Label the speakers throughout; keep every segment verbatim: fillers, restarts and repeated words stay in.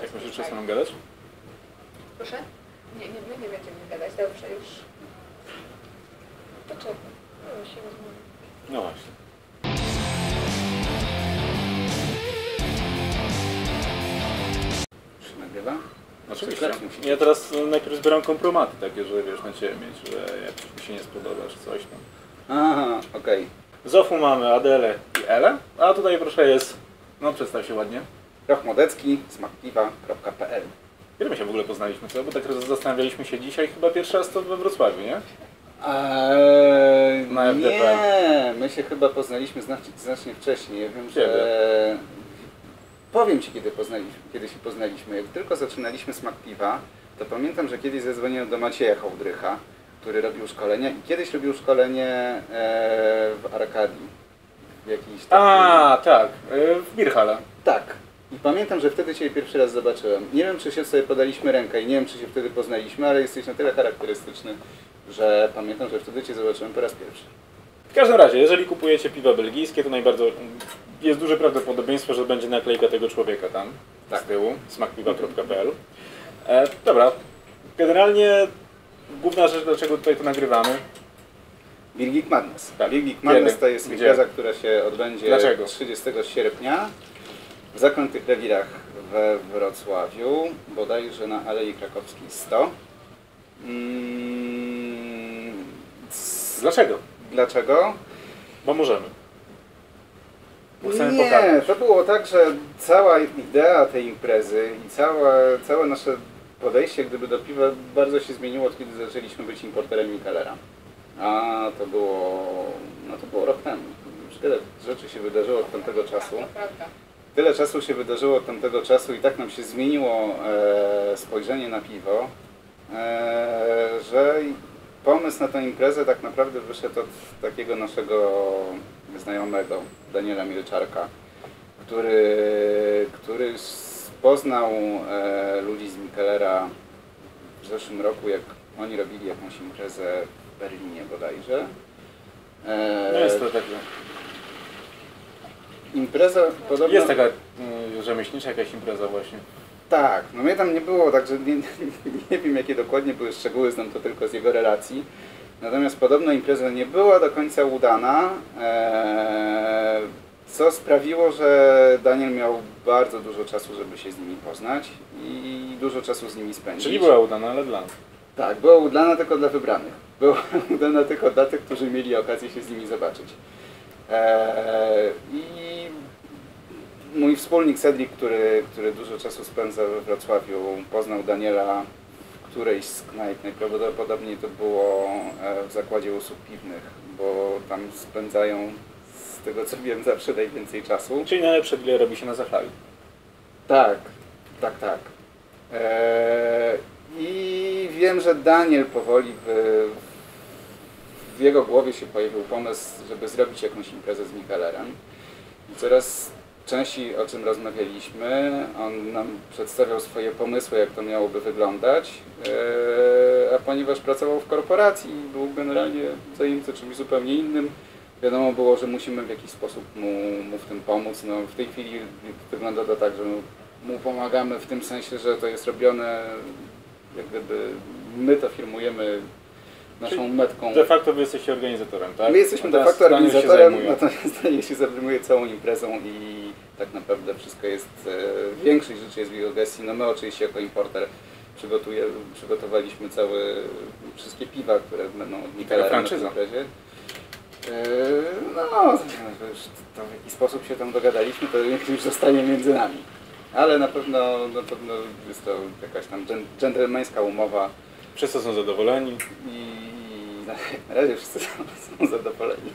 Speaker 1: Jak myślisz, czy chcą gadać?
Speaker 2: Proszę? Nie, nie, my nie będziemy gadać, dobrze już. Poczekaj, no się rozmawiamy.
Speaker 1: No właśnie.
Speaker 3: Czy się nagrywa?
Speaker 1: Oczywiście. Ja teraz najpierw zbieram kompromaty takie, że wiesz, na ciebie mieć, że jak coś mi się nie spodoba, czy coś tam.
Speaker 3: Aha, okej. Okay.
Speaker 1: Zofu mamy Adelę i Elę, a tutaj proszę jest, no przedstaw się ładnie.
Speaker 3: Roch Modecki, smakpiwa kropka p l.
Speaker 1: Kiedy my się w ogóle poznaliśmy, co? Bo tak zastanawialiśmy się dzisiaj, chyba pierwszy raz to we Wrocławiu, nie?
Speaker 3: Eee,
Speaker 1: Na
Speaker 3: nie, my się chyba poznaliśmy znacznie, znacznie wcześniej. Ja wiem, że... Powiem Ci, kiedy, poznaliśmy, kiedy się poznaliśmy. Jak tylko zaczynaliśmy Smak Piwa, to pamiętam, że kiedyś zadzwoniłem do Macieja Hołdrycha, który robił szkolenia i kiedyś robił szkolenie e, w Arkadii. W jakiejś takiej...
Speaker 1: A, tak, w Birhala.
Speaker 3: Tak. I pamiętam, że wtedy Cię pierwszy raz zobaczyłem. Nie wiem, czy się sobie podaliśmy rękę i nie wiem, czy się wtedy poznaliśmy, ale jesteś na tyle charakterystyczny, że pamiętam, że wtedy Cię zobaczyłem po raz pierwszy.
Speaker 1: W każdym razie, jeżeli kupujecie piwa belgijskie, to najbardzo jest duże prawdopodobieństwo, że będzie naklejka tego człowieka tam, tak. Z tyłu, smakpiwa kropka p l. E, dobra, generalnie główna rzecz, dlaczego tutaj to nagrywamy.
Speaker 3: Beer Geek Madness.
Speaker 1: Tak.
Speaker 3: Beer Geek Madness
Speaker 1: Kiedy?
Speaker 3: to jest
Speaker 1: Gdzie?
Speaker 3: impreza, która się odbędzie
Speaker 1: Dlaczego?
Speaker 3: trzydziestego sierpnia w Zaklętych Rewirach we Wrocławiu, bodajże na Alei Krakowskiej sto. Mm,
Speaker 1: Dlaczego?
Speaker 3: Dlaczego?
Speaker 1: Bo możemy. Bo chcemy
Speaker 3: Nie,
Speaker 1: pokazać.
Speaker 3: to było tak, że cała idea tej imprezy i całe, całe nasze podejście gdyby do piwa bardzo się zmieniło, od kiedy zaczęliśmy być importerem Michelera. A to było, no to było rok temu. Już tyle rzeczy się wydarzyło od tamtego czasu. Tyle czasu się wydarzyło od tamtego czasu i tak nam się zmieniło e, spojrzenie na piwo, e, że pomysł na tę imprezę tak naprawdę wyszedł od takiego naszego znajomego, Daniela Milczarka, który, który poznał e, ludzi z Michelera w zeszłym roku, jak oni robili jakąś imprezę w Berlinie bodajże. E,
Speaker 1: No jest to tak.
Speaker 3: Impreza podobno...
Speaker 1: Jest taka y, rzemieślnicza jakaś impreza właśnie.
Speaker 3: Tak, no mnie tam nie było, także nie, nie wiem jakie dokładnie były szczegóły, znam to tylko z jego relacji. Natomiast podobno impreza nie była do końca udana, ee, co sprawiło, że Daniel miał bardzo dużo czasu, żeby się z nimi poznać i dużo czasu z nimi spędzić.
Speaker 1: Czyli była udana, ale dla nas.
Speaker 3: Tak, była udana tylko dla wybranych. Była udana tylko dla tych, którzy mieli okazję się z nimi zobaczyć. Eee, I mój wspólnik Cedric, który, który dużo czasu spędza we Wrocławiu, poznał Daniela w którejś z knajp. Najprawdopodobniej to było w zakładzie usług piwnych, bo tam spędzają, z tego co wiem, zawsze najwięcej czasu.
Speaker 1: Czyli najlepsze dwie robi się na Zachlawi.
Speaker 3: Tak, tak, tak. Eee, I wiem, że Daniel powoli w, w jego głowie się pojawił pomysł, żeby zrobić jakąś imprezę z Michelerem. I coraz częściej o czym rozmawialiśmy, on nam przedstawiał swoje pomysły, jak to miałoby wyglądać, eee, a ponieważ pracował w korporacji i był generalnie zajęty czymś zupełnie innym, wiadomo było, że musimy w jakiś sposób mu, mu w tym pomóc. No, w tej chwili wygląda to tak, że mu pomagamy w tym sensie, że to jest robione, jak gdyby my to firmujemy naszą
Speaker 1: Czyli
Speaker 3: metką.
Speaker 1: De facto wy jesteście organizatorem, tak?
Speaker 3: My jesteśmy de facto organizatorem, natomiast Daniel się zajmuje całą imprezą i tak naprawdę wszystko jest, e, większość rzeczy jest w jego gestii. No my oczywiście jako importer przygotuje, przygotowaliśmy całe, wszystkie piwa, które będą od Michelera na tej imprezie. E, no, to już to w jaki sposób się tam dogadaliśmy, to już zostanie między nami. Ale na pewno, na pewno jest to jakaś tam dżentelmeńska umowa.
Speaker 1: Wszyscy są zadowoleni.
Speaker 3: I na razie wszyscy są, są zadowoleni.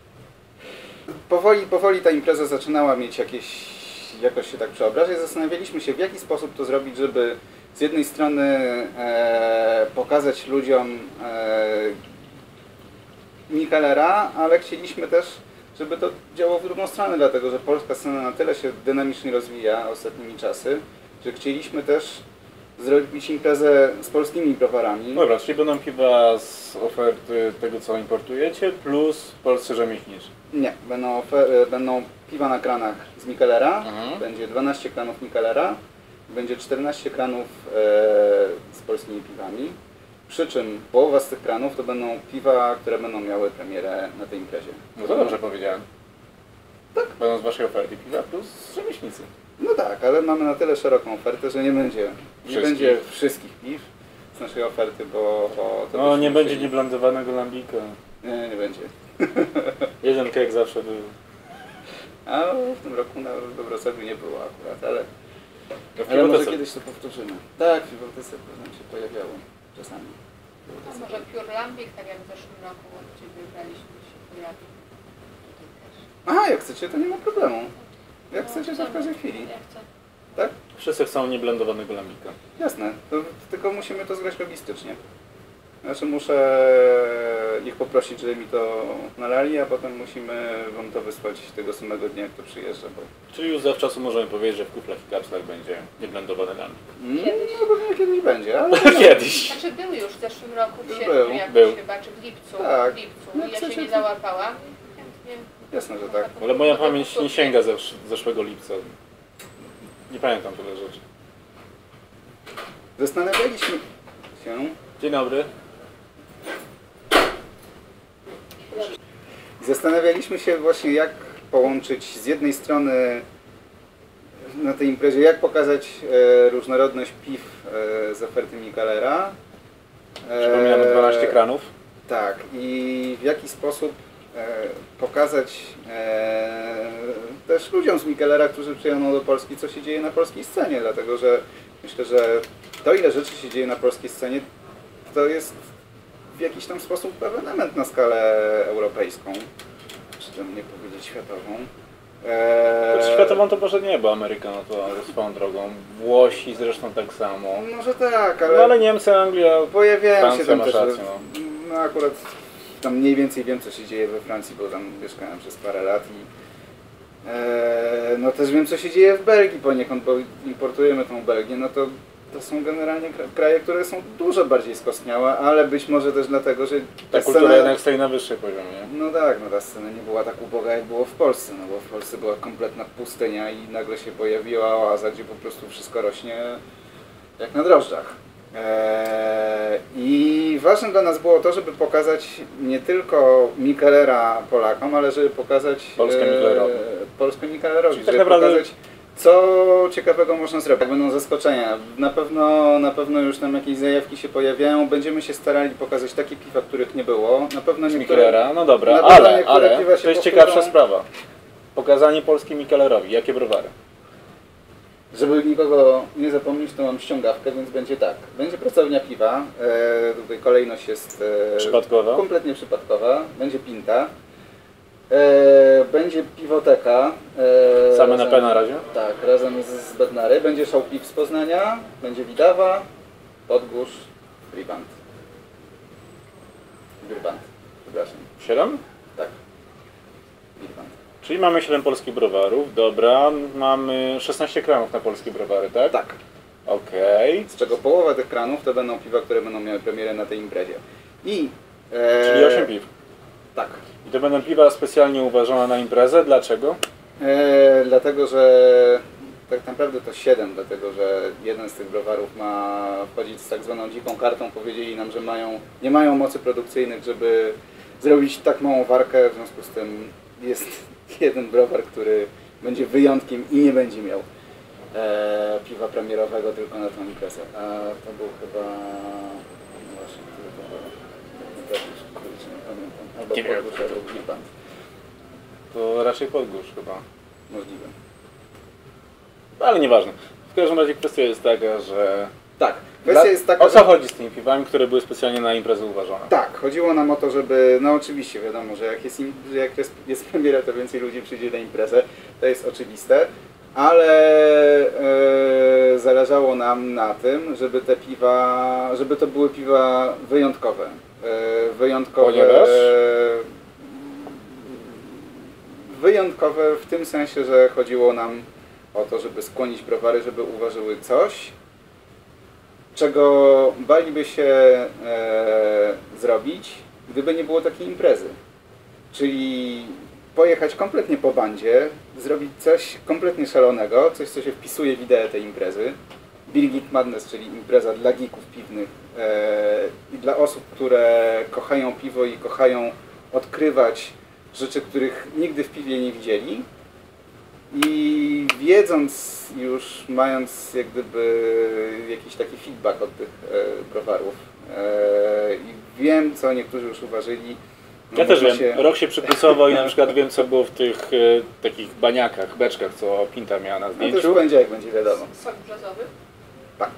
Speaker 3: Powoli, powoli ta impreza zaczynała mieć jakieś, jakoś się tak przeobrażać. Zastanawialiśmy się, w jaki sposób to zrobić, żeby z jednej strony e, pokazać ludziom e, Michelera, ale chcieliśmy też, żeby to działało w drugą stronę, dlatego że polska scena na tyle się dynamicznie rozwija ostatnimi czasy, że chcieliśmy też zrobić imprezę z polskimi browarami.
Speaker 1: Dobra, czyli będą piwa z oferty tego, co importujecie, plus polscy rzemieślniczy.
Speaker 3: Nie, będą, będą piwa na kranach z Michelera, mhm. Będzie dwanaście kranów Michelera będzie czternaście kranów e, z polskimi piwami, przy czym połowa z tych kranów to będą piwa, które będą miały premierę na tej imprezie.
Speaker 1: No to dobrze powiedziałem.
Speaker 3: Tak.
Speaker 1: Będą z waszej oferty piwa plus rzemieślnicy.
Speaker 3: No tak, ale mamy na tyle szeroką ofertę, że nie będzie, nie
Speaker 1: Wszystkich.
Speaker 3: będzie wszystkich piw z naszej oferty, bo... bo to
Speaker 1: No
Speaker 3: byśmy
Speaker 1: nie będzie
Speaker 3: chcieli-
Speaker 1: nieblendowanego lambika.
Speaker 3: Nie, nie będzie.
Speaker 1: Jeden kek zawsze był.
Speaker 3: A w tym roku na, we Wrocławiu nie było akurat, ale,
Speaker 1: To w
Speaker 3: ale może
Speaker 1: Piwotece.
Speaker 3: kiedyś to powtórzymy. Tak, w Piwotece nam się pojawiało czasami.
Speaker 2: A może Pure Lambic, tak jak w zeszłym roku, gdzie wybraliśmy się pojawił. Tutaj też.
Speaker 3: Aha, jak chcecie, to nie ma problemu. Jak chcecie, to w każdej chwili.
Speaker 2: Ja chcę.
Speaker 3: Tak?
Speaker 1: Wszyscy chcą nieblendowanego lambika.
Speaker 3: Jasne. To, tylko musimy to zgrać logistycznie. Znaczy muszę ich poprosić, żeby mi to nalali, a potem musimy wam to wysłać tego samego dnia, jak to przyjeżdża. Bo...
Speaker 1: Czyli już zawczasu możemy powiedzieć, że w kuflach i kapslach będzie nieblendowany lambik.
Speaker 2: Kiedyś.
Speaker 3: No pewnie kiedyś będzie, ale...
Speaker 1: Kiedyś.
Speaker 2: Znaczy był już w zeszłym roku, w
Speaker 3: Był,
Speaker 2: sierpniu jakoś
Speaker 1: był.
Speaker 2: chyba, czy w lipcu.
Speaker 3: Tak.
Speaker 2: W lipcu.
Speaker 3: No,
Speaker 2: I ja
Speaker 3: chcecie,
Speaker 2: się nie
Speaker 3: to-
Speaker 2: załapałam. Chętnie.
Speaker 3: Jasne, że tak.
Speaker 1: Ale moja pamięć nie sięga ze z zeszłego lipca. Nie pamiętam tyle rzeczy.
Speaker 3: Zastanawialiśmy się...
Speaker 1: Dzień dobry.
Speaker 3: Zastanawialiśmy się właśnie, jak połączyć z jednej strony na tej imprezie, jak pokazać e, różnorodność piw e, z oferty Michelera. E,
Speaker 1: Przypominamy dwanaście kranów.
Speaker 3: Tak, i w jaki sposób e, pokazać e, też ludziom z Michelera, którzy przyjadą do Polski, co się dzieje na polskiej scenie, dlatego że myślę, że to, ile rzeczy się dzieje na polskiej scenie, to jest w jakiś tam sposób ewenement na skalę europejską, czy tam nie powiedzieć światową. Eee,
Speaker 1: Światową to może nie, bo Amerykano to swoją drogą. Włosi zresztą tak samo.
Speaker 3: Może tak, ale,
Speaker 1: No ale Niemcy, Anglia,
Speaker 3: pojawiają się
Speaker 1: Francja
Speaker 3: tam
Speaker 1: masz
Speaker 3: też,
Speaker 1: rację, no.
Speaker 3: no akurat tam mniej więcej wiem, co się dzieje we Francji, bo tam mieszkałem przez parę lat i eee, no też wiem, co się dzieje w Belgii poniekąd, bo importujemy tą Belgię, no to to są generalnie kra- kraje, które są dużo bardziej skostniałe, ale być może też dlatego, że
Speaker 1: ta kultura jednak stoi na wyższym poziomie.
Speaker 3: No tak, no ta scena nie była tak uboga, jak było w Polsce, no bo w Polsce była kompletna pustynia i nagle się pojawiła oaza, gdzie po prostu wszystko rośnie jak na drożdżach. Eee, I ważne dla nas było to, żeby pokazać nie tylko Michelera Polakom, ale żeby pokazać
Speaker 1: Polskę Michelerowi.
Speaker 3: Polskę Michelerowi,
Speaker 1: Czyli tak
Speaker 3: żeby
Speaker 1: naprawdę-
Speaker 3: pokazać, co ciekawego można zrobić. Będą zaskoczenia. Na pewno, na pewno już tam jakieś zajawki się pojawiają. Będziemy się starali pokazać takie piwa, których nie było. Na pewno
Speaker 1: Z
Speaker 3: niektóre...
Speaker 1: Michelera, no dobra,
Speaker 3: na pewno
Speaker 1: ale,
Speaker 3: niektóre
Speaker 1: ale
Speaker 3: piwa się
Speaker 1: to jest
Speaker 3: powtórzą.
Speaker 1: ciekawsza sprawa. Pokazanie Polski Michelerowi. Jakie browary?
Speaker 3: Żeby nikogo nie zapomnieć, to mam ściągawkę, więc będzie tak. Będzie pracownia piwa. E, tutaj kolejność jest e,
Speaker 1: Przypadkowa?
Speaker 3: kompletnie przypadkowa. Będzie pinta. E, będzie piwoteka. E,
Speaker 1: Same na
Speaker 3: razem-
Speaker 1: P na razie?
Speaker 3: Tak, razem z, z Bednary. Będzie szał piw z Poznania. Będzie Widawa, Podgórz, Briband. Briband, przepraszam.
Speaker 1: siedem?
Speaker 3: Tak. Briband.
Speaker 1: Czyli mamy siedem polskich browarów, dobra. Mamy szesnaście kranów na polskie browary, tak?
Speaker 3: Tak.
Speaker 1: Okej.
Speaker 3: Z czego połowa tych kranów to będą piwa, które będą miały premierę na tej imprezie. I... E,
Speaker 1: Czyli osiem piw.
Speaker 3: Tak.
Speaker 1: I to będą piwa specjalnie uważane na imprezę. Dlaczego?
Speaker 3: E, dlatego, że tak naprawdę to siedem, dlatego że jeden z tych browarów ma wchodzić z tak zwaną dziką kartą. Powiedzieli nam, że mają, nie mają mocy produkcyjnych, żeby zrobić tak małą warkę. W związku z tym jest jeden browar, który będzie wyjątkiem i nie będzie miał e, piwa premierowego tylko na tą imprezę. A to był chyba... no właśnie, który to był? Kurczę, nie pamiętam. Albo
Speaker 1: Nie wiem.
Speaker 3: Podgórz, albo Briband.
Speaker 1: To raczej Podgórz chyba.
Speaker 3: Możliwe.
Speaker 1: Ale nieważne. W każdym razie kwestia jest taka, że...
Speaker 3: Tak. Kwestia
Speaker 1: Dla-
Speaker 3: jest taka,
Speaker 1: O co
Speaker 3: że...
Speaker 1: chodzi z tymi piwami, które były specjalnie na imprezę uważane?
Speaker 3: Tak, chodziło nam o to, żeby, no oczywiście wiadomo, że jak jest, im, że jak jest, jest premiera, to więcej ludzi przyjdzie na imprezę, to jest oczywiste, ale e, zależało nam na tym, żeby te piwa, żeby to były piwa wyjątkowe. E, wyjątkowe,
Speaker 1: Ponieważ?
Speaker 3: wyjątkowe w tym sensie, że chodziło nam o to, żeby skłonić browary, żeby uważały coś, czego baliby się e, zrobić, gdyby nie było takiej imprezy. Czyli pojechać kompletnie po bandzie, zrobić coś kompletnie szalonego, coś co się wpisuje w ideę tej imprezy, Beer Geek Madness, czyli impreza dla geeków piwnych e, i dla osób, które kochają piwo i kochają odkrywać rzeczy, których nigdy w piwie nie widzieli. I wiedząc już, mając jak gdyby jakiś taki feedback od tych e, browarów e, i wiem, co niektórzy już uważali. No
Speaker 1: Ja też wiem,
Speaker 3: się...
Speaker 1: rok się przypusował i na przykład wiem, co było w tych e, takich baniakach, beczkach, co Pinta miała na
Speaker 3: No to już
Speaker 1: zdjęciu.
Speaker 3: w poniedziałek będzie wiadomo.
Speaker 2: Sok brzozowy?
Speaker 3: Tak.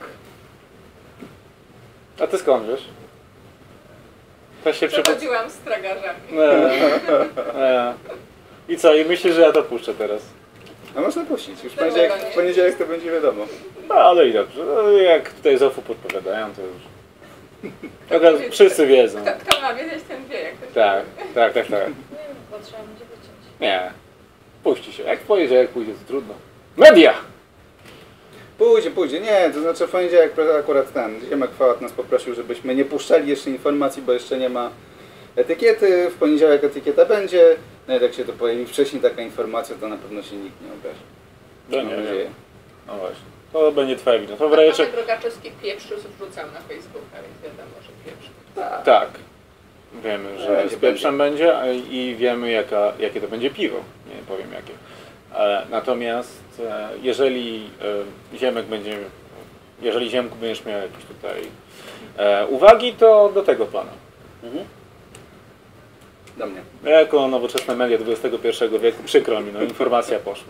Speaker 1: A ty skąd wiesz? Też się przypusował.
Speaker 2: Przechodziłam z tragarzami.
Speaker 1: E, I co, i myślisz, że ja to puszczę teraz?
Speaker 3: A można puścić. Już w
Speaker 2: Dlaczego
Speaker 3: poniedziałek,
Speaker 2: nie?
Speaker 3: w poniedziałek to będzie wiadomo.
Speaker 1: No ale i dobrze, no, jak tutaj z O F U podpowiadają, to już... Teraz wszyscy wiedzą.
Speaker 2: Kto, kto ma wiedzieć, ten wie, jak to się
Speaker 1: Tak, tak, tak, tak.
Speaker 4: Nie, bo trzeba będzie wyciąć.
Speaker 1: Nie. Puści się. Jak pojedzie, jak pójdzie, to trudno. Media!
Speaker 3: Pójdzie, pójdzie. Nie, to znaczy w poniedziałek akurat ten Ziemek Fałat nas poprosił, żebyśmy nie puszczali jeszcze informacji, bo jeszcze nie ma etykiety. W poniedziałek etykieta będzie. No i jak się to pojawi wcześniej taka informacja, to na pewno się nikt nie obrazi.
Speaker 1: No
Speaker 3: Mam
Speaker 1: nie
Speaker 3: nadzieję.
Speaker 1: wiem. No właśnie. To będzie twoja wina. To w
Speaker 2: A
Speaker 1: razie
Speaker 2: Tomek
Speaker 1: czek-
Speaker 2: Rogaczewski pieprzu wrzucał na Facebooka, więc wiadomo, że pieprz.
Speaker 3: Tak.
Speaker 1: Tak. Wiemy, że
Speaker 3: Będzie,
Speaker 1: z pieprzem będzie a- i wiemy jaka, jakie to będzie piwo. Nie powiem jakie. E, Natomiast e, jeżeli e, Ziemek będzie, jeżeli Ziemku będziesz miał jakieś tutaj e, uwagi, to do tego pana.
Speaker 3: Mhm. Do mnie.
Speaker 1: Ja jako nowoczesne media dwudziestego pierwszego wieku, przykro mi, no informacja poszła.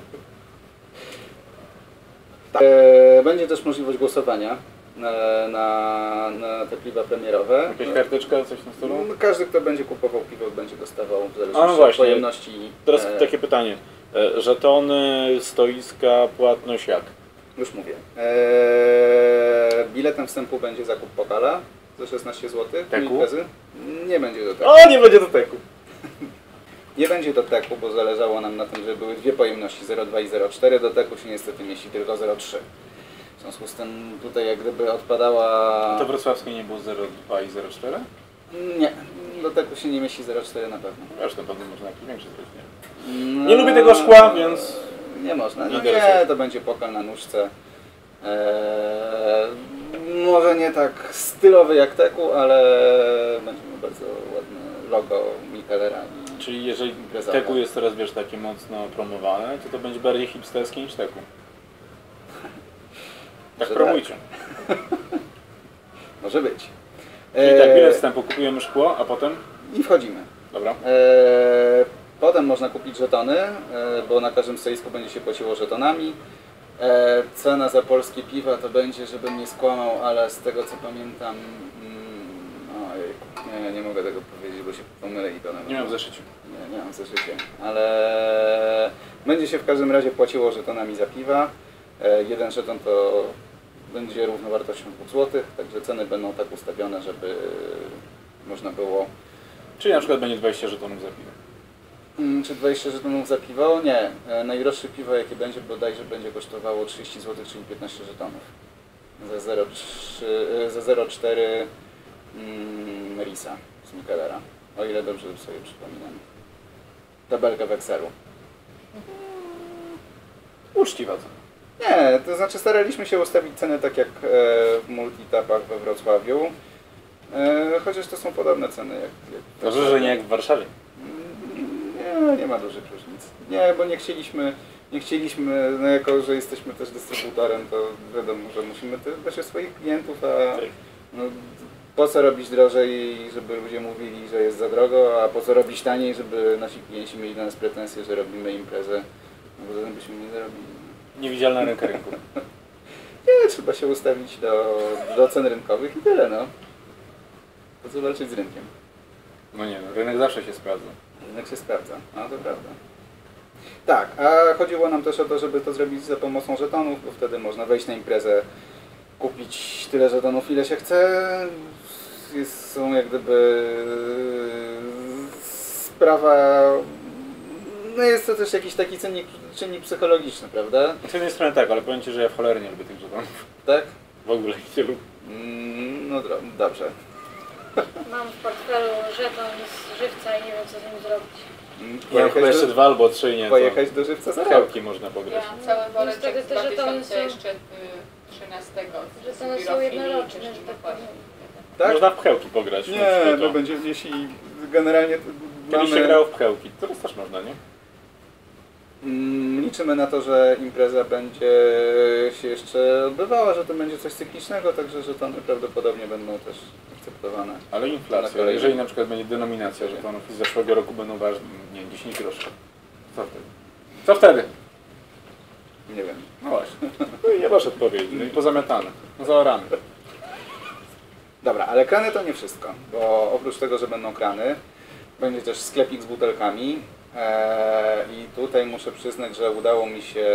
Speaker 3: Tak. E, będzie też możliwość głosowania na, na, na te piwa premierowe.
Speaker 1: Jakaś karteczka, coś na stolu?
Speaker 3: No, każdy, kto będzie kupował piwo, będzie dostawał w
Speaker 1: A,
Speaker 3: zależności
Speaker 1: no
Speaker 3: od
Speaker 1: właśnie.
Speaker 3: pojemności.
Speaker 1: Teraz
Speaker 3: e,
Speaker 1: takie pytanie. E, Żetony, stoiska, płatność jak?
Speaker 3: Już mówię. Eee, biletem wstępu będzie zakup pokala za szesnaście złotych.
Speaker 1: Teku?
Speaker 3: Imprezy. Nie będzie do teku.
Speaker 1: O, nie będzie do teku.
Speaker 3: Nie będzie do teku, bo zależało nam na tym, żeby były dwie pojemności zero przecinek dwa i zero przecinek cztery. Do teku się niestety mieści tylko zero przecinek trzy. W związku z tym tutaj jak gdyby odpadała...
Speaker 1: To wrocławskie nie było zero przecinek dwa i zero przecinek cztery?
Speaker 3: Nie, do teku się nie mieści zero przecinek cztery na pewno.
Speaker 1: Wiesz, na pewno można jakiś większy zrobić, nie?
Speaker 3: No,
Speaker 1: Nie lubię tego szkła, więc...
Speaker 3: Nie można.
Speaker 1: Nie
Speaker 3: No
Speaker 1: interesuje.
Speaker 3: nie, to będzie pokal na nóżce. Eee, może nie tak stylowy jak teku, ale będzie miał bardzo ładne logo Michelera.
Speaker 1: Czyli jeżeli
Speaker 3: Imprezowe.
Speaker 1: teku jest teraz, wiesz, takie mocno promowane, to to będzie bardziej hipsterskie niż teku. Tak
Speaker 3: Że
Speaker 1: promujcie.
Speaker 3: Może być.
Speaker 1: Czyli tak,
Speaker 3: Eee,
Speaker 1: bilet wstępu, kupujemy szkło, a potem?
Speaker 3: I wchodzimy.
Speaker 1: Dobra.
Speaker 3: Eee, potem można kupić żetony, e, bo na każdym stoisku będzie się płaciło żetonami. E, cena za polskie piwa to będzie, żebym nie skłamał, ale z tego co pamiętam... Mm, ojej, nie, nie mogę tego powiedzieć, bo się pomylę i to nawet...
Speaker 1: Nie mam w zeszyciu.
Speaker 3: Nie, nie mam w zeszycie, ale będzie się w każdym razie płaciło żetonami za piwa. E, jeden żeton to będzie równowartością dwóch złotych, także ceny będą tak ustawione, żeby można było...
Speaker 1: Czyli na przykład będzie dwadzieścia żetonów za piwo.
Speaker 3: Mm, Czy dwadzieścia żetonów za piwo? Nie. E, Najdroższe piwo jakie będzie bodajże będzie kosztowało trzydzieści złotych, czyli piętnaście żetonów. Za zero przecinek trzy, e, za zero przecinek cztery mm, Risa z Michelera. O ile dobrze sobie przypominam. Tabelkę w Excelu.
Speaker 1: Uczciwa cena.
Speaker 3: Nie, to znaczy staraliśmy się ustawić ceny tak jak e, w multitapach we Wrocławiu. E, chociaż to są podobne ceny jak... jak
Speaker 1: Dobrze, że nie jak w Warszawie.
Speaker 3: Nie, nie ma dużych różnic. Nie, bo nie chcieliśmy, nie chcieliśmy, no jako, że jesteśmy też dystrybutorem, to wiadomo, że musimy też dbać o swoich klientów, a
Speaker 1: Tak.
Speaker 3: no, po co robić drożej, żeby ludzie mówili, że jest za drogo, a po co robić taniej, żeby nasi klienci mieli do nas pretensje, że robimy imprezę, no bo zatem byśmy nie zarobili.
Speaker 1: Niewidzialna ręka rynku.
Speaker 3: Nie, trzeba się ustawić do, do cen rynkowych i tyle, no. Po co walczyć z rynkiem?
Speaker 1: No nie, no, rynek zawsze się sprawdza.
Speaker 3: Rynek się sprawdza, no to prawda. Tak, a chodziło nam też o to, żeby to zrobić za pomocą żetonów, bo wtedy można wejść na imprezę, kupić tyle żetonów, ile się chce. Jest, są jak gdyby sprawa... No jest to też jakiś taki czynnik, czynnik psychologiczny, prawda?
Speaker 1: Z jednej strony tak, ale powiem Ci, że ja w cholerę nie lubię tych żetonów.
Speaker 3: Tak?
Speaker 1: W ogóle ich nie lubię.
Speaker 3: Mm, no dro- dobrze.
Speaker 4: Mam w portfelu żeton z żywca i nie wiem co z nim zrobić.
Speaker 1: Ja mam
Speaker 3: Pojechać
Speaker 1: chyba jeszcze
Speaker 3: do,
Speaker 1: dwa albo trzy, nie?
Speaker 3: pojechać do żywca za
Speaker 1: W
Speaker 3: rok.
Speaker 1: Chełki można pograć.
Speaker 2: Ja mam cały woreczek
Speaker 4: Niestety
Speaker 2: z
Speaker 4: te żetony
Speaker 2: dwa tysiące
Speaker 4: są-
Speaker 2: jeszcze y, trzynastego. z
Speaker 4: Żetony są
Speaker 2: biurofilii,
Speaker 4: jednoroczne,
Speaker 2: też
Speaker 4: że
Speaker 2: nie
Speaker 4: tak
Speaker 2: płaci.
Speaker 4: powiem.
Speaker 3: Tak?
Speaker 1: Można w Pchełki pograć.
Speaker 3: Nie,
Speaker 1: no,
Speaker 3: no będzie, jeśli generalnie
Speaker 1: Kiedyś się
Speaker 3: mamy,
Speaker 1: grało w Pchełki, teraz też można, nie?
Speaker 3: mm, liczymy na to, że impreza będzie się jeszcze odbywała, że to będzie coś cyklicznego, także żetony prawdopodobnie będą też akceptowane.
Speaker 1: Ale
Speaker 3: Na
Speaker 1: inflacja,
Speaker 3: kolejny.
Speaker 1: jeżeli na przykład będzie denominacja żetonów i z zeszłego roku będą ważne, nie wiem, dziesięć groszy. Co wtedy? Co wtedy?
Speaker 3: Nie wiem.
Speaker 1: No właśnie. No i nie masz odpowiedzi, no i pozamiatane. No zaoramy.
Speaker 3: Dobra, ale krany to nie wszystko, bo oprócz tego, że będą krany, będzie też sklepik z butelkami eee, i tutaj muszę przyznać, że udało mi się,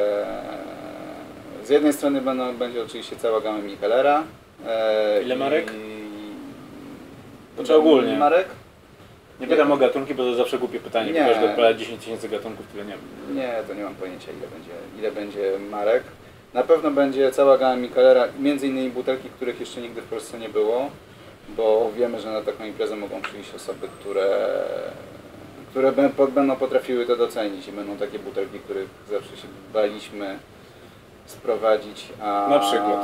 Speaker 3: z jednej strony będą, będzie oczywiście cała gama Michelera. Eee,
Speaker 1: Ile marek?
Speaker 3: I...
Speaker 1: Czy ogólnie?
Speaker 3: Marek?
Speaker 1: Nie pytam o gatunki, bo to zawsze głupie pytanie,
Speaker 3: Nie.
Speaker 1: bo każdy odpowiada dziesięć tysięcy gatunków, tyle nie wiem.
Speaker 3: Nie, to nie mam pojęcia ile będzie, ile będzie marek. Na pewno będzie cała gama Michelera, między innymi butelki, których jeszcze nigdy w Polsce nie było, bo wiemy, że na taką imprezę mogą przyjść osoby, które, które bę- będą potrafiły to docenić i będą takie butelki, których zawsze się baliśmy sprowadzić, a...
Speaker 1: Na przykład?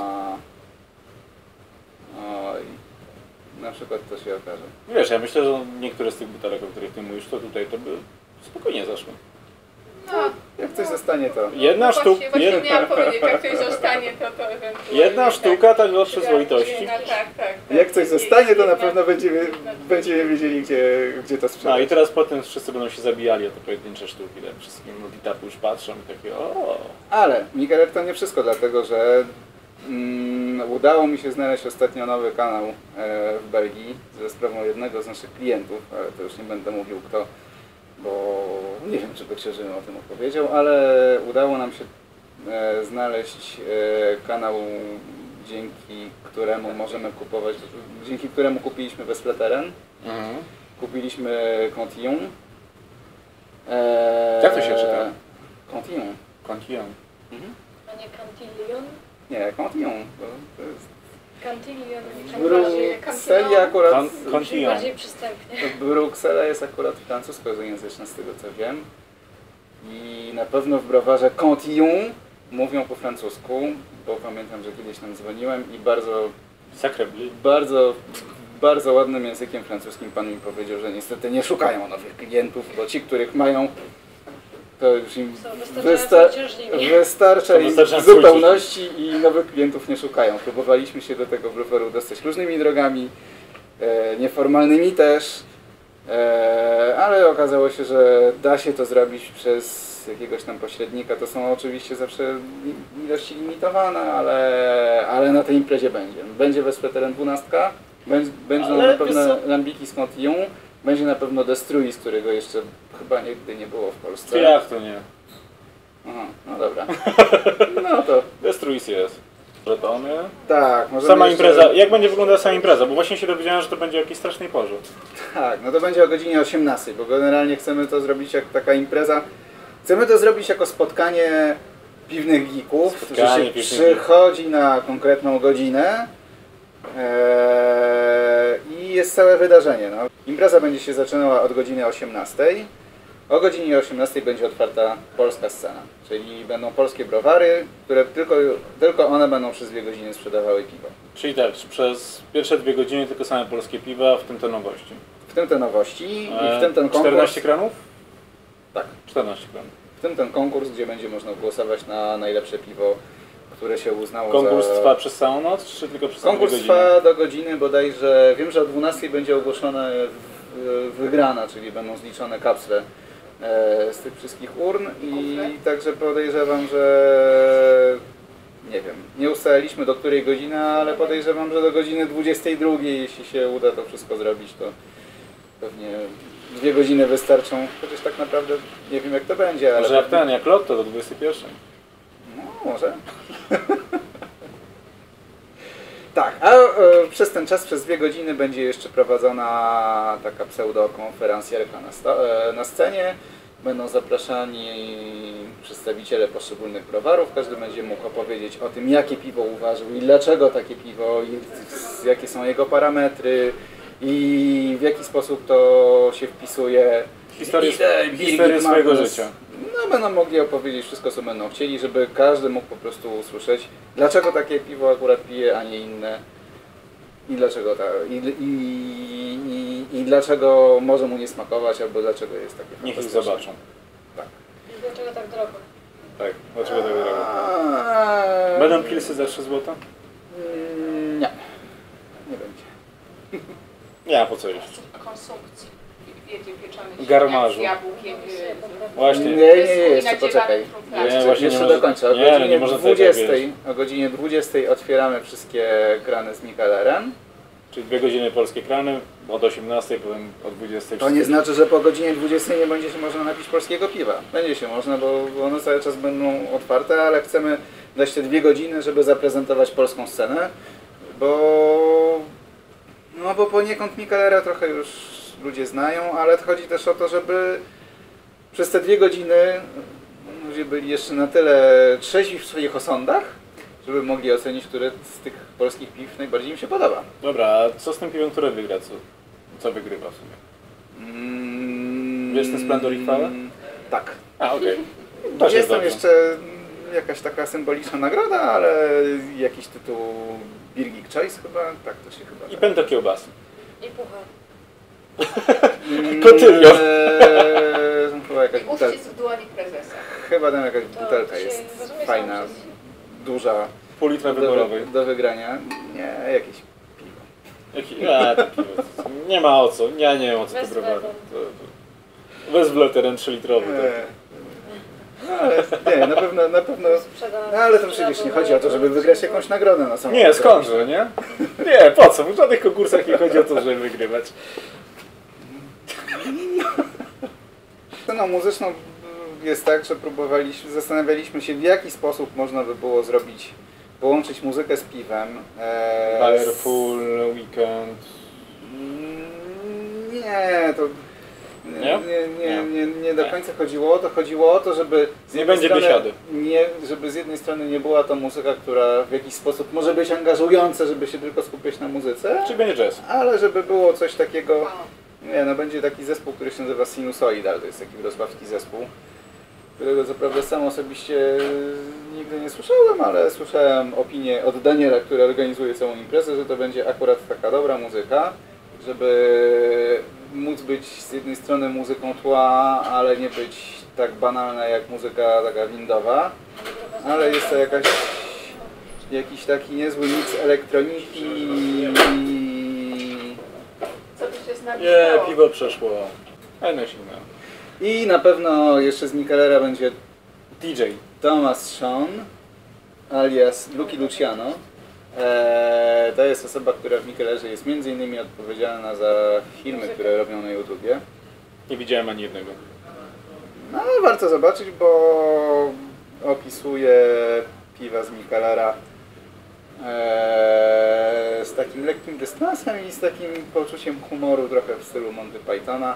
Speaker 3: Oj, na przykład to się okaże.
Speaker 1: Wiesz, ja myślę, że niektóre z tych butelek, o których ty mówisz, to tutaj to by spokojnie zaszły.
Speaker 2: No,
Speaker 3: Jak coś zostanie, to...
Speaker 1: Jedna
Speaker 2: no
Speaker 1: sztuka,
Speaker 2: właśnie, właśnie
Speaker 1: jedna,
Speaker 2: miałam powiedzieć, jak ktoś zostanie, to to ewentualnie...
Speaker 1: jedna
Speaker 2: tak.
Speaker 1: sztuka tak do przyzwoitości.
Speaker 2: No, tak, tak, tak.
Speaker 3: Jak coś
Speaker 2: I-
Speaker 3: zostanie, to
Speaker 2: i-
Speaker 3: na
Speaker 2: i-
Speaker 3: pewno będziemy, będziemy wiedzieli, gdzie, gdzie to
Speaker 1: No
Speaker 3: sprzedać.
Speaker 1: i teraz potem wszyscy będą się zabijali o te pojedyncze sztuki, tak? Wszystkie multitapy już patrzą i takie o.
Speaker 3: Ale Mikeler to nie wszystko, dlatego że mm, udało mi się znaleźć ostatnio nowy kanał e, w Belgii ze sprawą jednego z naszych klientów, ale to już nie będę mówił kto, bo nie wiem, czy by Krzyży o tym opowiedział, ale udało nam się e, znaleźć e, kanał, dzięki któremu możemy kupować, dzięki któremu kupiliśmy Vesleteren,
Speaker 1: Mhm.
Speaker 3: kupiliśmy Cantillon. E,
Speaker 1: Jak to się czyta?
Speaker 3: Cantillon.
Speaker 1: Cantillon.
Speaker 3: Mhm.
Speaker 4: A nie Cantillon?
Speaker 3: Nie, Cantillon. To, to jest
Speaker 4: Cantillon.
Speaker 3: w Brukseli akurat.
Speaker 1: Con-
Speaker 4: Brzmi
Speaker 1: Cantillon.
Speaker 4: bardziej przystępnie.
Speaker 3: Bruksela jest akurat francuskojęzyczna z tego co wiem. I na pewno w browarze Cantillon mówią po francusku, bo pamiętam, że kiedyś tam dzwoniłem i bardzo,
Speaker 1: Sacre bleu.
Speaker 3: bardzo, bardzo ładnym językiem francuskim pan mi powiedział, że niestety nie szukają nowych klientów, bo ci, których mają, to już im
Speaker 4: Są
Speaker 3: wysta
Speaker 4: wystarczająco uciążliwi.
Speaker 3: wystarcza
Speaker 1: Są
Speaker 3: im w
Speaker 1: wystarczająco
Speaker 3: zupełności i nowych klientów nie szukają. Próbowaliśmy się do tego browaru dostać różnymi drogami, e, nieformalnymi też, e, ale okazało się, że da się to zrobić przez jakiegoś tam pośrednika. To są oczywiście zawsze i- ilości limitowane, ale, ale na tej imprezie będzie. Będzie Vesleteren dwanaście, będzie, będą
Speaker 1: Ale
Speaker 3: na pewno
Speaker 1: wiesz co?
Speaker 3: Lambiki z Cantillon, będzie na pewno Destruis, którego jeszcze chyba nigdy nie było w Polsce.
Speaker 1: To jak to nie?
Speaker 3: Aha, no dobra. No to
Speaker 1: Destruis jest. Żetony.
Speaker 3: tak, możemy
Speaker 1: Sama
Speaker 3: jeszcze-
Speaker 1: impreza. Jak będzie wyglądała sama impreza? Bo właśnie się dowiedziałem, że to będzie o jakiejś strasznej porze.
Speaker 3: Tak, no to będzie o godzinie osiemnastej, bo generalnie chcemy to zrobić jak taka impreza. Chcemy to zrobić jako spotkanie piwnych geeków, którzy
Speaker 1: Spotkanie
Speaker 3: się
Speaker 1: piwnych
Speaker 3: przychodzi na konkretną godzinę eee, i jest całe wydarzenie. No. Impreza będzie się zaczynała od godziny osiemnastej. O godzinie osiemnastej będzie otwarta polska scena, czyli będą polskie browary, które tylko, tylko one będą przez dwie godziny sprzedawały piwo.
Speaker 1: Czyli tak, przez pierwsze dwie godziny tylko same polskie piwa, w tym te nowości.
Speaker 3: W tym te nowości i
Speaker 1: E,
Speaker 3: w tym ten konkurs.
Speaker 1: czternaście kranów?
Speaker 3: Tak.
Speaker 1: czternaście kranów.
Speaker 3: W tym ten konkurs, gdzie będzie można głosować na najlepsze piwo, które się uznało
Speaker 1: Konkurs
Speaker 3: za...
Speaker 1: trwa przez całą noc, czy tylko przez
Speaker 3: Konkurs
Speaker 1: dwie godziny?
Speaker 3: trwa do godziny bodajże, wiem, że o dwunastej będzie ogłoszona w- wygrana, czyli będą zliczone kapsle e, z tych wszystkich urn i
Speaker 2: Kufle.
Speaker 3: także podejrzewam, że nie wiem, nie ustaliliśmy do której godziny, ale podejrzewam, że do godziny dwudziestej drugiej, jeśli się uda to wszystko zrobić, to pewnie dwie godziny wystarczą, chociaż tak naprawdę nie wiem jak to będzie, ale...
Speaker 1: Może jak ten, jak lotto do dwudziestej pierwszej.
Speaker 3: No, może. Tak, a e, przez ten czas, przez dwie godziny będzie jeszcze prowadzona taka pseudokonferencjerka na, sta- e, na scenie. Będą zapraszani przedstawiciele poszczególnych browarów. Każdy będzie mógł opowiedzieć o tym, jakie piwo uważał i dlaczego takie piwo, i z- jakie są jego parametry i w jaki sposób to się wpisuje
Speaker 1: Historię,
Speaker 3: Idę, Birgit
Speaker 1: historię swojego
Speaker 3: Magnus.
Speaker 1: życia.
Speaker 3: No będą mogli opowiedzieć wszystko, co będą chcieli, żeby każdy mógł po prostu usłyszeć, dlaczego takie piwo akurat pije, a nie inne. I dlaczego ta, i, i, i, i dlaczego może mu nie smakować, albo dlaczego jest takie
Speaker 1: Niech ich
Speaker 3: fantastyczne.
Speaker 1: zobaczą.
Speaker 3: Tak.
Speaker 4: I dlaczego tak drogo?
Speaker 1: Tak, dlaczego tak robią?
Speaker 3: Eee,
Speaker 1: Będą pilsy za trzy złota?
Speaker 3: mm, Nie. Nie będzie.
Speaker 1: Nie, a po co jeszcze?
Speaker 2: Konsumpcji. Wiecie, pieczony
Speaker 1: Garmarzu.
Speaker 2: z jabłkiem.
Speaker 1: Właśnie.
Speaker 3: Nie, nie, nie, jeszcze poczekaj.
Speaker 2: Nie,
Speaker 3: Jeszcze,
Speaker 1: właśnie
Speaker 3: jeszcze
Speaker 1: nie może-
Speaker 3: dokończę. O
Speaker 1: nie, no
Speaker 3: godzinie
Speaker 1: nie można tak
Speaker 3: dwudziestej, o godzinie dwudziestej otwieramy wszystkie krany z Mikelerem.
Speaker 1: Czyli dwie godziny polskie krany, od osiemnastej, potem od dwudziestej.
Speaker 3: To nie znaczy, że po godzinie dwudziestej nie będzie się można napić polskiego piwa. Będzie się można, bo one cały czas będą otwarte, ale chcemy dać te dwie godziny, żeby zaprezentować polską scenę, bo no bo poniekąd Mikelera trochę już ludzie znają, ale chodzi też o to, żeby przez te dwie godziny ludzie byli jeszcze na tyle trzeźwi w swoich osądach, żeby mogli ocenić, które z tych polskich piw najbardziej im się podoba.
Speaker 1: Dobra, a co z tym piwem, które wygra? Co, co wygrywa w sumie?
Speaker 3: Mm,
Speaker 1: Wiesz ten Splendor i chwałę?
Speaker 3: Tak.
Speaker 1: A, okej.
Speaker 3: To
Speaker 1: Okay.
Speaker 3: jest tam jeszcze jakaś taka symboliczna nagroda, ale jakiś tytuł Birgit Choice chyba, tak to się chyba
Speaker 1: I
Speaker 3: tak.
Speaker 1: pęto kiełbasy.
Speaker 4: I puchar.
Speaker 1: Kotylion.
Speaker 3: Eee, chyba jakaś
Speaker 2: I
Speaker 3: butelka.
Speaker 2: uścisk dłoni prezesa.
Speaker 3: Chyba tam jakaś
Speaker 4: To
Speaker 3: butelka
Speaker 4: się
Speaker 3: jest
Speaker 4: rozumie
Speaker 3: fajna,
Speaker 4: sam przez-
Speaker 3: duża,
Speaker 1: Pół litra
Speaker 3: do,
Speaker 1: wyborowej.
Speaker 3: do wygrania. Nie, jakieś piwo.
Speaker 1: Jaki... A, to piwo. Nie ma o co. Ja nie wiem o co to
Speaker 4: Bez
Speaker 1: browary.
Speaker 4: wletem.
Speaker 1: To, to... Bez wleteren trzy litrowy. Tak.
Speaker 3: Eee, no, ale nie, na pewno, na pewno.
Speaker 4: Sprzeda-
Speaker 3: No ale to przecież nie chodzi o to, żeby wygrać jakąś nagrodę na samą
Speaker 1: Nie,
Speaker 3: nagrodę.
Speaker 1: skądże, nie? Nie, po co? W żadnych konkursach nie chodzi o to, żeby wygrywać.
Speaker 3: Sceną muzyczną jest tak, że próbowaliśmy, zastanawialiśmy się, w jaki sposób można by było zrobić, połączyć muzykę z piwem. Eee,
Speaker 1: Bayer
Speaker 3: z-
Speaker 1: Full, Weekend.
Speaker 3: Mm, Nie, to nie,
Speaker 1: Nie?
Speaker 3: nie, nie,
Speaker 1: Nie.
Speaker 3: nie, nie do końca chodziło o to. Chodziło o to, żeby z
Speaker 1: Nie
Speaker 3: jednej
Speaker 1: będzie
Speaker 3: strony,
Speaker 1: biesiady.
Speaker 3: nie, żeby z jednej strony nie była to muzyka, która w jakiś sposób może być angażująca, żeby się tylko skupiać na muzyce,
Speaker 1: Czy będzie jazz?
Speaker 3: ale żeby było coś takiego.
Speaker 2: Wow.
Speaker 3: Nie, no będzie taki zespół, który się nazywa Sinusoidal, to jest taki wrocławski zespół, którego co prawda sam osobiście nigdy nie słyszałem, ale słyszałem opinię od Daniela, który organizuje całą imprezę, że to będzie akurat taka dobra muzyka, żeby móc być z jednej strony muzyką tła, ale nie być tak banalna jak muzyka taka windowa, ale jest to jakaś, jakiś taki niezły mix elektroniki i
Speaker 2: Co tu się z nami
Speaker 1: Nie,
Speaker 2: stało?
Speaker 1: piwo przeszło. Fajne silne.
Speaker 3: I na pewno jeszcze z Mikelera będzie
Speaker 1: D J.
Speaker 3: Thomas Sean, alias Lucky Luciano. Eee, to jest osoba, która w Mikelerze jest między innymi odpowiedzialna za filmy, które robią na YouTubie.
Speaker 1: Nie widziałem ani jednego.
Speaker 3: No ale warto zobaczyć, bo opisuje piwa z Mikelera eee, z takim lekkim dystansem i z takim poczuciem humoru trochę w stylu Monty Pythona.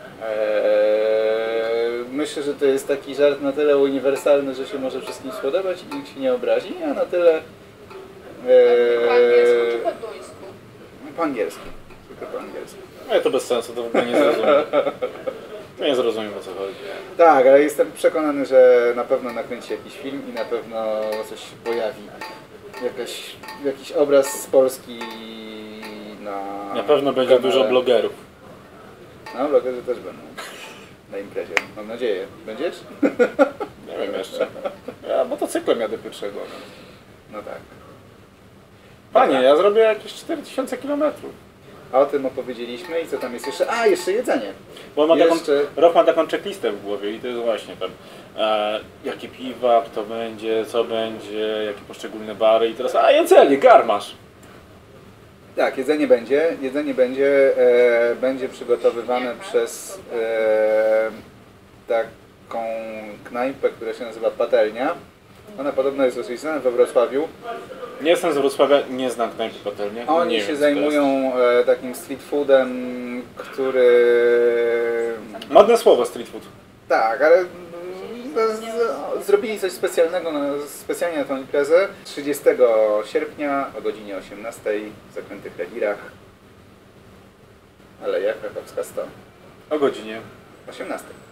Speaker 3: Eee, myślę, że to jest taki żart na tyle uniwersalny, że się może wszystkim spodobać i nikt się nie obrazi, a na tyle
Speaker 2: Po angielsku czy
Speaker 3: eee,
Speaker 2: po duńsku?
Speaker 3: po angielsku. Tylko po angielsku.
Speaker 1: Ale to bez sensu, to w ogóle nie zrozumiem. To nie zrozumiem, o co chodzi.
Speaker 3: Tak, ale jestem przekonany, że na pewno nakręci jakiś film i na pewno coś się pojawi. Jakaś, jakiś obraz z Polski na
Speaker 1: Na pewno będzie
Speaker 3: kanale.
Speaker 1: dużo blogerów.
Speaker 3: No, blogerzy też będą na imprezie, mam nadzieję. Będziesz?
Speaker 1: Nie wiem jeszcze. Ja motocyklem jadę pierwszego.
Speaker 3: No tak.
Speaker 1: Panie, ja zrobię jakieś cztery tysiące kilometrów.
Speaker 3: A o tym opowiedzieliśmy i co tam jest jeszcze? A, jeszcze jedzenie.
Speaker 1: Bo ma taką,
Speaker 3: Jeszcze-
Speaker 1: Roch ma taką checklistę w głowie i to jest właśnie tam e, jakie piwa, kto będzie, co będzie, jakie poszczególne bary i teraz, a jedzenie, garmasz.
Speaker 3: Tak, jedzenie będzie. Jedzenie będzie, e, będzie przygotowywane przez e, taką knajpę, która się nazywa Patelnia. Ona podobno jest dosyć znana we Wrocławiu.
Speaker 1: Nie jestem z Wrocławia, nie znam knajpy patelnia.
Speaker 3: Oni
Speaker 1: nie
Speaker 3: się
Speaker 1: wiem, co to jest.
Speaker 3: zajmują e, takim street foodem, który...
Speaker 1: Modne słowo street food.
Speaker 3: Tak, ale mm, z, z, zrobili coś specjalnego, na, specjalnie na tę imprezę. trzydziestego sierpnia o godzinie osiemnastej w Zakrętych Rewirach. Aleja Krakowska sto.
Speaker 1: O godzinie.
Speaker 3: osiemnasty.